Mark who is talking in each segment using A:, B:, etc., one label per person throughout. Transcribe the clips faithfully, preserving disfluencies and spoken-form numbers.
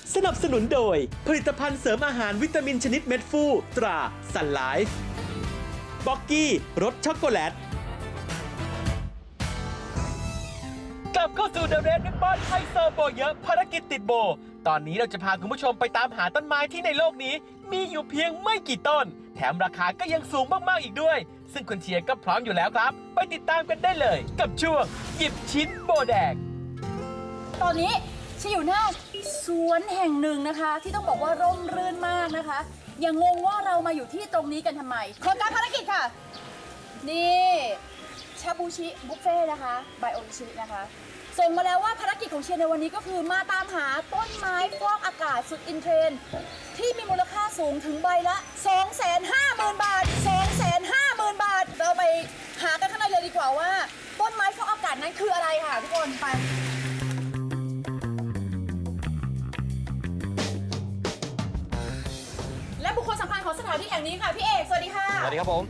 A: สนับสนุนโดยผลิตภัณฑ์เสริมอาหารวิตามินชนิดเม็ดฟูตราซันไลฟ์บ็อกกี้รสช็อกโกแลตกลับเข้าสู่เดอะเรดริบบอนไฮโซโบเยอะภารกิจติดโบตอนนี้เราจะพาคุณผู้ชมไปตามหาต้นไม้ที่ในโลกนี้มีอยู่เพียงไม่กี่ต้นแถมราคาก็ยังสูงมากๆอีกด้วยซึ่งคุณเชียร์ก็พร้อมอยู่แล้วครับไปติดตามกันได้เลยกับช่วงหยิบชิ้นโบแดง
B: ตอนนี้ฉันอยู่หน้าสวนแห่งหนึ่งนะคะที่ต้องบอกว่าร่มรื่นมากนะคะอย่างงงว่าเรามาอยู่ที่ตรงนี้กันทำไมขอการภารกิจค่ะนี่ชาบูชิบุฟเฟ่นะคะไบโอชินะคะส่งมาแล้วว่าภารกิจของเชียร์ในวันนี้ก็คือมาตามหาต้นไม้ฟอกอากาศสุดอินเทรนด์ที่มีมูลค่าสูงถึงใบละ สองแสนห้าหมื่น บาท สองแสนห้าหมื่น บาทเราไปหากันข้างในเลยดีกว่าว่าต้นไม้ฟอกอากาศนั้นคืออะไรค่ะทุกคนไปและบุคคลสำคัญของสถานที่แห่งนี้ค่ะพี่เอกสวัสดีค่ะ
C: สวัสดีครับผม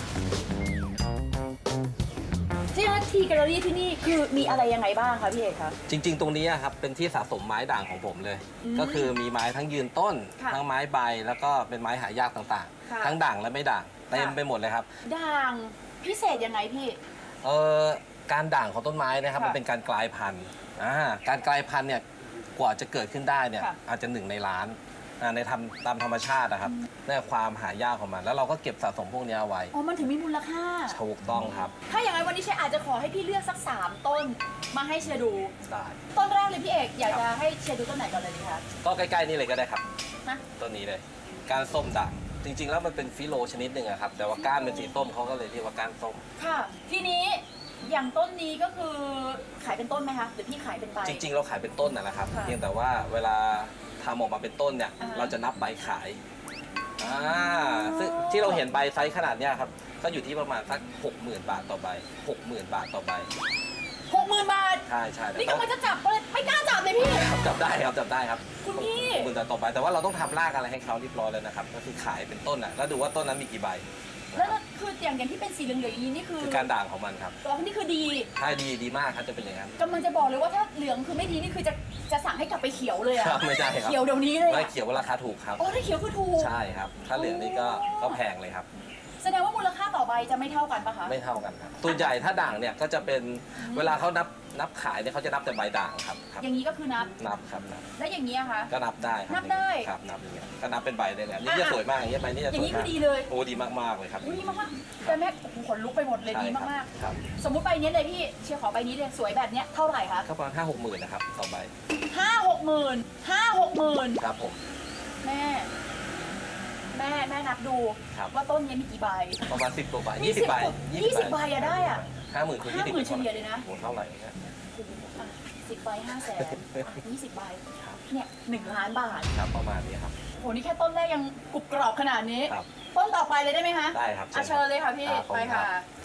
B: ที่ทีแกลเลอรี่ที่นี่คือมีอะไรยังไงบ้างคะพี่เอกคะ
C: จริงๆตรงนี้ครับเป็นที่สะสมไม้ด่างของผมเลยก็คือมีไม้ทั้งยืนต้นทั้งไม้ใบแล้วก็เป็นไม้หายากต่างๆทั้งด่างและไม่ด่างเต็มไปหมดเลยครับ
B: ด่างพิเศษยังไงพี่
C: เออการด่างของต้นไม้นะครับมันเป็นการกลายพันธุ์อ่าการกลายพันธุ์เนี่ยกว่าจะเกิดขึ้นได้เนี่ยอาจจะหนึ่งในล้านในทำตามธรรมชาตินะครับนี่ความหายากของมันแล้วเราก็เก็บสะสมพวกนี้เอาไว้
B: อ๋อมันถึงมีมูลค่า
C: ถูกต้องครับ
B: ถ้าอย่างไรวันนี้เชยอาจจะขอให้พี่เลือกสักสามต้นมาให้เชียร์ดู
C: ได้
B: ต้นแรกเลยพี่เอกอยากจะให้เชียร์ดูต้นไหนก่อนเลยดีคะ
C: ก็ใกล้ๆนี่เลยก็ได้ครับต้นนี้เลยก้านส้มด่างจริงๆแล้วมันเป็นฟิโลชนิดหนึ่งครับแต่ว่าก้านเป็นสีส้มเขาก็เลยเรียกว่าก้านส้ม
B: ค่ะทีนี้อย่างต้นนี้ก็คือขายเป็นต้นไหมคะหรือพี่ขายเป็นใบ
C: จริงๆเราขายเป็นต้นนะครับเพียงแต่ว่าเวลาทำออกมาเป็นต้นเนี่ยเราจะนับใบขายอ่าซึ่งที่เราเห็นใบไซส์ขนาดนี้ครับก็อยู่ที่ประมาณสักหกหมื่นบาทต่อใบหกหมื่นบาทต่อใบ
B: หกหมื่นบาท
C: ใช่ใช่
B: นี่กำลังจะจับเลยไม่กล้าจับเลยพี่
C: จับได้ครับจับได้ครับ
B: คุณพี่
C: หกหมื่นบาทต่อใบแต่ว่าเราต้องทำรากอะไรให้เขาเรียบร้อยแล้วนะครับก็คือขายเป็นต้นอ่ะแล้วดูว่าต้นนั้นมีกี่ใบ
B: แล้วคืออย่างอย่างที่เป็นสีเหลืองๆอย่างนี้นี่คือ
C: คือการด่างของมันครับ
B: ตัวนี้คือดี
C: ใช่ดีดีมากครับจะเป็นอย่างนั้น
B: กำลังจะบอกเลยว่าถ้าเหลืองคือไม่ดีนี่คือจะจะสั่งให้กลับไปเขียวเลยอะ
C: ไม่ใช่ครับ
B: เขียวเดี๋ยวนี้เลย
C: ไม่เขียวราคาถูกครับ
B: โอ้ถ้าเขียวคือถูก
C: ใช่ครับถ้าเหลืองนี่ก็ก็แพงเลยครับ
B: แสดงว่ามูลค่าต่อใบจะไม่เท่ากันปะคะ
C: ไม่เท่ากันครับตัวใหญ่ถ้าด่างเนี่ยก็จะเป็นเวลาเขานับนับขายเนี่ยเขาจะนับแต่ใบด่างครับ
B: อย่างนี้ก็คือนับ
C: นับครับนับ
B: และอย่างนี้คะ
C: ก็นับได้
B: นับได้
C: ครับนับอย่างเงี้ยก็นับเป็นใบได้เลยนี่จะสวยมากอย่างเงี้ยใบนี่จะสวยมาก
B: อย่างนี้คือดีเลย
C: โอ้ดีมากๆเลยครับ
B: ดีมากๆแต่แม่ขนลุกไปหมดเลยดีมากๆสมมุติใบนี้เลยพี่เชียร์ขอใบนี้เลยสวยแบบเนี้ยเท่าไหร่คะ
C: ก็ประมาณห้าหกหมื่นนะครับต่อใบ
B: ห้าหกหมื่นห้าหกหมื่น
C: ครับผม
B: แม่แม่แม่นับดูว่าต้นนี้มีกี่ใบ
C: ประมาณสิบกว่าใบยี่สิบใบ
B: ยี่สิบใบอะได้อะ
C: ห้าหมื่นคูณยี่สิบ
B: ห้าหมื่นเฉลี่ยเลยนะ
C: โอ้เท่าไหร่เนี่ย
B: สิบใบห้าแสนยี่สิบใบเนี่ยหนึ่งล้านบาท
C: ครับประมาณนี้ครับ
B: โหนี่แค่ต้นแรกยังกรุบกรอบขนาดนี้ต้นต่อไปเลยได้ไหมคะ
C: ได้ครับ
B: เชิญเลยค่ะพี่ไปค่ะ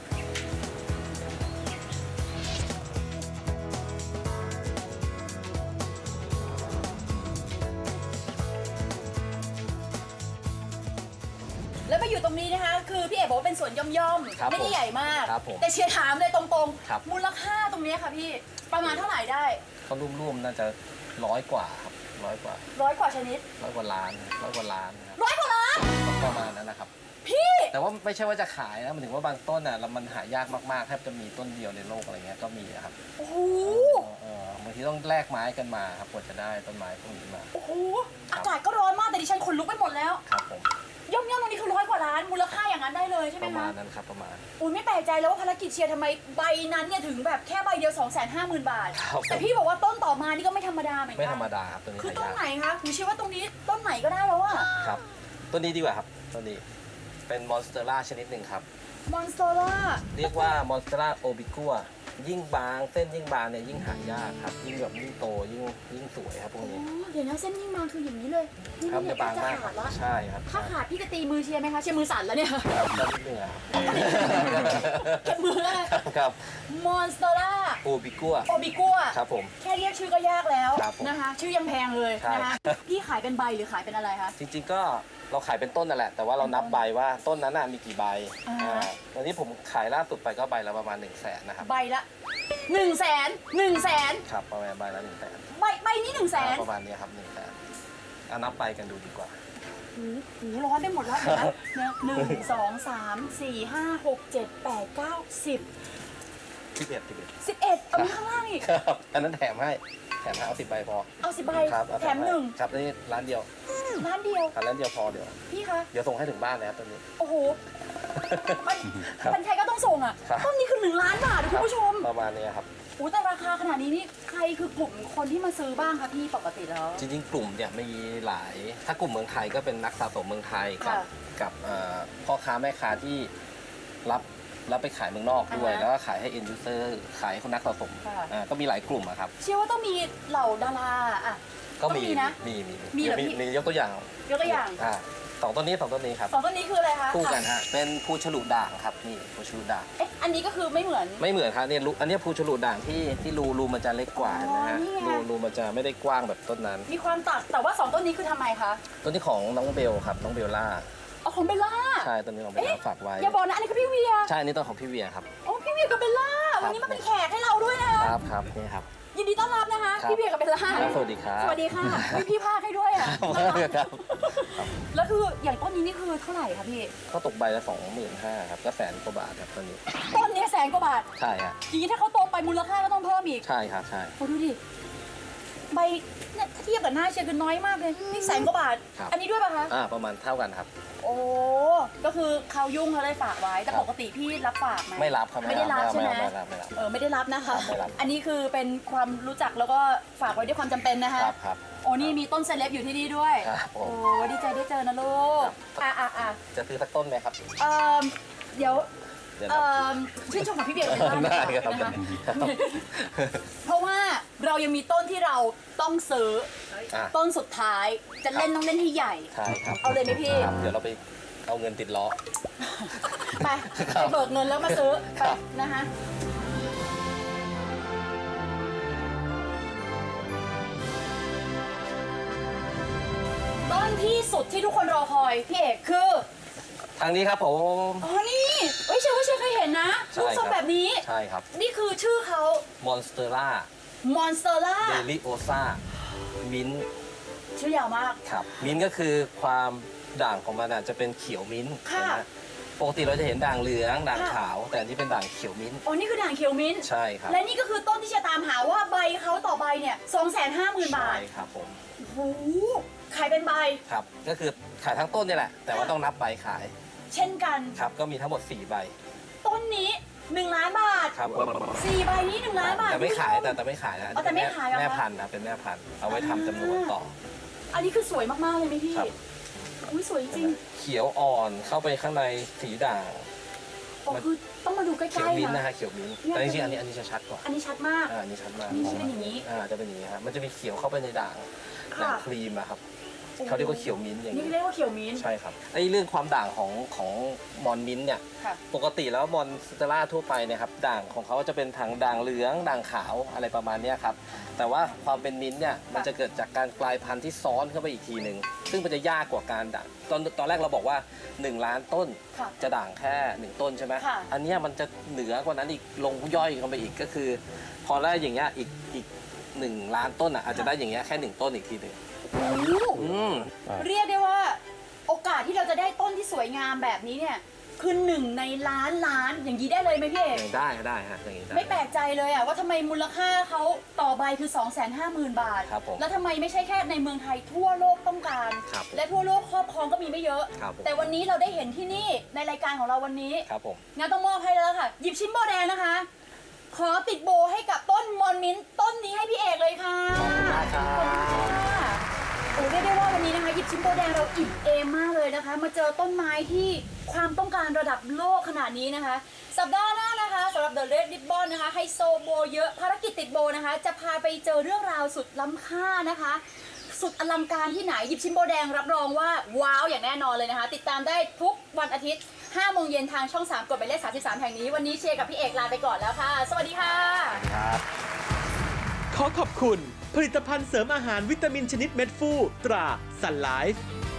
B: แล้วไปอยู่ตรงนี้นะคะคือพี่เอกบอกว่าเป็นสวนย่อมๆไม่ได้ใหญ่มากแต่เชียร์ถามเลยตรงๆมูลค่าตรงนี้ค่ะพี่ประมาณเท่าไหร่ได้
C: ก็รุ่มๆน่าจะร้อยกว่าครับร้อยกว่า
B: ร้อยกว่าชนิด
C: ร้อยกว่าล้านร้อยกว่าล้าน
B: ร้อยกว่าล้าน
C: ประมาณนั้นนะครับ
B: พี่
C: แต่ว่าไม่ใช่ว่าจะขายนะมันถึงว่าบางต้นอ่ะมันหายากมากๆแทบจะมีต้นเดียวในโลกอะไรเงี้ยก็มีครับ
B: โอ้โห
C: บางทีต้องแลกไม้กันมาครับกว่าจะได้ต้นไม้พวกนี้มา
B: โอ้โหอากาศก็ร้อนมากแต่ดิฉันขนลุกไปหมดแล้ว
C: ครับผม
B: ย่อมย่อมตรงนี้คือร้อยกว่าล้านมูลค่าอย่างนั้นได้เลยใช่ไหมคะ
C: ประมาณนั้นครับประมาณ
B: อุ้ยไม่แปลกใจแล้วว่าภารกิจเชียร์ทำไมใบนั้นเนี่ยถึงแบบแค่ใบเดียว สองแสนห้าหมื่น บาทแต่พี่บอกว่าต้นต่อมานี่ก็ไม่ธรรมดาเหมือนกัน
C: ไม่ธรรมดาครับตัวนี้
B: คือต้นไหนคะหนูเชื่อว่าตรงนี้ต้นไหนก็ได้แล้วอะ
C: ครับต้นนี้ดีกว่าครับต้นนี้เป็นมอนสเตอร่าชนิดหนึ่งครับ
B: มอนสเตอร่า
C: เรียกว่ามอนสเตอร่าโอบิกัวยิ่งบางเส้นยิ่งบางเนี่ยยิ่งหายากครับยิ่งแบบยิ่งโตยิ่งยิ่งสวยครับพวกนี้
B: เดี๋ยวนะเส้นยิ่งบางคืออย่างนี้เลย
C: ครับจะบางมากใช่ครับ
B: ถ้าขาดพี่จะตีมือเชียร์ไหมคะเชียร์มือสั่นแล้วเนี่ย
C: ครับก็นิดนึงครับ
B: เก็บมือเลย
C: ครับ
B: มอนสเตอร่า
C: โอบิกัว
B: โอบิกัว
C: ครับผม
B: แค่เรียกชื่อก็ยากแล้วนะคะชื่อยังแพงเลยนะคะพี่ขายเป็นใบหรือขายเป็นอะไรคะ
C: จริงๆก็เราขายเป็นต้นนั่นแหละ แต่ว่าเรานับใบว่าต้นนั้นน่ะมีกี่ใบ
B: อ่า
C: อ่าตอนนี้ผมขายล่าสุดไปก็ใบละประมาณ1นึ่งแสนนะครับ
B: ใบละหนึ่งแสนหนึ่งแสน
C: ครับประมาณใบละหนึ่งแสน
B: ใบใบนี้หนึ่งแสน
C: ประมาณนี้ครับหนึ่งแสนเอานับไปกันดูดีกว่า
B: หูหูร้อนได้หมดแล้วเห็นไหมเนี่ยหนึ่งสองสามสี่ห้าหกเจ็ดแปดเก้าสิบ
C: สิบเอ็ดสิบเอ็ด
B: สิบเอ็ดเอามีข้างล่างอีก
C: ครับอันนั้นแถมให้แถมให้เอาสิบใบพอ
B: เอาสิบใบ
C: ครับเอา
B: แถมหนึ่ง
C: ครับนี่ร้านเดียว
B: ร้านเดียว
C: ร้านเดียวพอเดี๋ยว
B: พี่คะ
C: เดี๋ยวส่งให้ถึงบ้านเลยครับตอนนี้
B: โอ้โหมัน
C: ครับ
B: มันใครก็ต้องส่งอ่ะ
C: ครับ
B: ต้นนี้คือหนึ่งล้านบาทนะคุณผู้ชม
C: ประมาณนี้ครับ
B: โอ้แต่ราคาขนาดนี้นี่ใครคือกลุ่มคนที่มาซื้อบ้างคะพี่ปกติแล้ว
C: จริงๆ กลุ่มเนี่ยมีหลาย ถ้ากลุ่มเมืองไทยก็เป็นนักสะสมเมืองไทยกับ
B: ค่ะ
C: กับเอ่อพ่อค้าแม่ค้าที่รับรับไปขายเมืองนอกด้วย
B: อ่าฮะ
C: แล้วก็ขายให้ end user ขายให้คนนักสะสม
B: ค่ะ
C: อ่าก็มีหลายกลุ่มอะครับ
B: เชื่อว่าต้องมีเหล่าดาราอ่ะ
C: ก็มี
B: ต้องมีนะ
C: มีมี
B: มีเหรอ
C: มี
B: พี่
C: มียกตัวอย่าง
B: ยกตัวอย่าง
C: อ่าสองต้นนี้สองต้นนี้ครับ
B: สองต้นนี้คืออะไรคะ
C: คู่กันฮะเป็นภูฉลุด่างครับนี่ภูฉลุด่าง
B: เอ๊ะอันนี้ก็คือไม่เหมือน
C: ไม่เหมือนครับเนี่ยรูอันเนี้ยภูฉลุด่างที่ที่รูรูมันจะเล็กกว่า
B: อ๋อ
C: นะฮะ
B: นี่ไง
C: รูรูมันจะไม่ได้กว้างแบบต้นนั้น
B: มีความต่างแต่ว่าสองต้นนี้คือทำไมคะ
C: ต้นที่ของน้องเบลครับน้องเบลล่า
B: เอาของเบลล่า
C: ใช่ต้นนี้ของเบลล่าฝากไว้
B: อย่าบอกนะอันนี้คือพี่เวีย
C: ใช่อันนี้ต้นของพี่เวียครับ
B: โอ้พี่เวียกับเบลล่าวันนี้มาเป็นแขกให้เราด้วยนะคะ
C: ครับครับนี่ครับ
B: ยินดีต้อนรับนะคะ
C: ครับ
B: พี่เวียกับเบลล่า
C: ครับสวัสดีครับ
B: สวัสดีค่ะมีพี่ภาคให้ด้วยอ่ะ
C: ครับ
B: แล้วคืออย่างต้นนี้นี่คือเท่าไหร่คะพี่
C: ก็ตกใบละสองหมื่นห้าครับก็แสนกว่าบาทครับตอนนี้
B: ต้นเนี้ยแสนกว่าบาท
C: ใช่ฮะ
B: อย่างนี้ถ้าเขาโตไปมูลค่าก็ต้องเพิ่มอีก
C: ใช่ครับใช่
B: โอ้ดูดิใบเนี่ยถ้าเทียบกับหน้าเชียร์คือน้อยมากเลยนี่แสนกว่าบาท
C: ครับ
B: อันนี้ด้วยป่ะคะ
C: อ่าประมาณเท่ากันครับ
B: โอ้ก็คือเขายุ่งเขาเลยฝากไว้แต่
C: ครับ
B: ปกติพี่รับฝากไหม
C: ไม่รับครับ
B: ไม่ได้รับใช่ไหม
C: ไม่รับไม่รับ
B: เออไม่ได้รับนะคะ
C: ไม่รับ
B: อันนี้คือเป็นความรู้จักแล้วก็ฝากไว้ด้วยความจำเป็นนะคะ
C: ครับครับ
B: โอ้นี่มีต้นเซเลบอยู่ที่นี่ด้วย
C: ครับผม
B: โอ้ดีใจได้เจอนะลูก อ่ะอ่ะอ่ะ
C: จะซื้อสักต้นไหมครับ
B: เอ่อเดี๋ยว
C: เดี๋ยว
B: เอ่
C: นะ
B: อชื่นชมของพี่เบียร์เป็นบ้านดี
C: ได้
B: กว่า
C: ครับ
B: นะคะเพราะว่าเรายังมีต้นที่เราต้องซื้อ
C: อ่ะ
B: ต้นสุดท้ายจะเล่นต้องเล่นให้ใหญ่
C: ใช่ครับ
B: เอาเลยไหมพี่
C: ครับเดี๋ยวเราไปเอาเงินติดล้อ
B: ไป
C: ครับ
B: ไปเบิกเงินแล้วมาซื้อไป
C: ครับ
B: นะคะ ต้นที่สุดที่ทุกคนรอคอยพี่เอกคือ
C: ทางนี้ครับผม
B: อ๋อนี่เอ้ยเชื่อว่าเชื่อเคยเห็นนะ
C: ใช่
B: รูปทรง
C: ครับ
B: แบบนี้
C: ใช่ครับ
B: นี่คือชื่อเขา
C: มอนสเตอร่าม
B: อนสเตอร่า
C: เดลิโอซามิน
B: ชื่อยาวมาก
C: ครับมิ้นท์ก็คือความด่างของมันอาจจะเป็นเขียวมิ้นท์
B: ค่ะ
C: นะฮะปกติเราจะเห็นด่างเหลืองด่าง
B: ค่ะ
C: ขาว แต่อันนี้เป็นด่างเขียวมิ้นท์
B: อ๋อนี่คือด่างเขียวมิ้นท์
C: ใช่ครับ
B: และนี่ก็คือต้นที่จะตามหาว่าใบเขาต่อใบเนี่ยสองแสนห้าหมื่นบา
C: ใช่
B: ท
C: ครับผม
B: โอ้โหขายเป็นใบ
C: ครับก็คือขายทั้งต้นนี่แหละ แต่ว่าต้องนับใบขาย
B: เช่นกัน
C: ครับก็มีทั้งหมดสี่ใบ
B: ต้นนี้หนึ่งล้านบาท
C: ครับ
B: สี่ใบนี้หนึ่งล้านบาท
C: แต่ไม่ขาย
B: คุณผู้ช
C: แต่แต่ไม่ขายนะ
B: อ๋อแต่ไม่ขายเหรอคะ
C: แม่พันธุ์นะเป็นแม่พันธุ์เอาไว้ทำจำนวนต่อ
B: อันนี้คือสวยมาก ๆ เลยไหมพี่
C: ครับ
B: อุ้ยสวยจริง
C: เขียวอ่อนเข้าไปข้างในสีด่าง
B: โอ้คือต้องมาดูใก
C: เขียว
B: ล้
C: มิ้น
B: ๆ
C: ท์นะ
B: นะ
C: ฮะเขียวมิ้นท์
B: เนี่ย
C: แต่จริงๆอันนี้อันนี้จะชัดกว่า
B: อันนี้ชัดมาก
C: อ่าอันนี้ชัดมาก
B: นี่จะเป็นอย่างนี้
C: อ่าจะเป็นอย่างนี้ฮะมันจะมีเขียวเข้าไปในด่าง
B: ค่ะ
C: ด่างครีมอะครับเขาเรียกว่าเขียวมิ้นท์อย่าง
B: นี่
C: นี้
B: เรียกว่าเขียวมิ้นท์
C: ใช่ครับไอ้เรื่องความด่างของของมอนมิ้นท์เนี่ย
B: ค่ะ
C: ปกติแล้วมอนสเตล่าทั่วไปเนี่ยครับด่างของเขาจะเป็นทางด่างเหลืองด่างขาวอะไรประมาณเนี้ยครับแต่ว่าความเป็นมิ้นท์เนี่ยมันจะเกิดจากการกลายพันธุ์ที่ซ้อนเข้าไปอีกทีหนึ่งซึ่งมันจะยากกว่าการด่างตอนตอนแรกเราบอกว่าหนึ่งล้านต้น
B: ค่ะ
C: จะด่างแค่หนึ่งต้นใช่ไหม
B: ค่ะ
C: อันเนี้ยมันจะเหนือกว่านั้นอีกลงย่อยเข้าไปอีกก็คือ พอได้อย่างเงี้ยอีกอีกหนึ่งล้านต้นอ่ะอาจจะได้อย่างเงี้ยแค่หนึ่งต้นอีกทีหนึ่ง
B: โอ้โห
C: อืม
B: เรียกได้ว่า โอกาสที่เราจะได้ต้นที่สวยงามแบบนี้เนี่ยคือหนึ่งในล้านล้านอย่างนี้ได้เลยไหมพี่เอก
C: อย่างได้ได้ฮะอย่างนี้ได้
B: ไม่แปลกใจเลยอะว่าทำไมมูลค่าเขาต่อใบคือ สองแสนห้าหมื่น บาท
C: ครับผม
B: แล้วทำไมไม่ใช่แค่ในเมืองไทยทั่วโลกต้องการ
C: ครับ
B: และทั่วโลกครอบครองก็มีไม่เยอะ
C: ครับผม
B: แต่วันนี้เราได้เห็นที่นี่ในรายการของเราวันนี้
C: ครับผม
B: งั้นต้องมอบให้แล้วค่ะ หยิบชิ้นโบแดงนะคะ ขอติดโบให้กับต้นมอนมิ้นท์ต้นนี้ให้พี่เอกเลยค่ะ
C: ขอบคุณมากครั
B: ขอบคุณ
C: บ
B: ค่ะโอ้เรียกได้ว่าวันนี้นะคะหยิบชิ้นโบแดงเราอิ่มเอมมากเลยนะคะ มาเจอต้นไม้ที่ความต้องการระดับโลกขนาดนี้นะคะ สัปดาห์หน้านะคะสำหรับ The Red Ribbon นะคะไฮโซโบเยอะภารกิจติดโบนะคะ จะพาไปเจอเรื่องราวสุดล้ำค่านะคะ สุดอลังการที่ไหนหยิบชิ้นโบแดงรับรองว่าว้าวอย่างแน่นอนเลยนะคะ ติดตามได้ทุกวันอาทิตย์ห้าโมงเย็นทางช่องสามกดหมายเลขสามสิบสามแห่งนี้วันนี้เชียร์กับพี่เอกลาไปก่อนแล้วค่ะ สวัสดีค่ะ
C: ครับ
A: ขอขอบคุณ ผลิตภัณฑ์เสริมอาหารวิตามินชนิดเม็ดฟูตรา Sun Life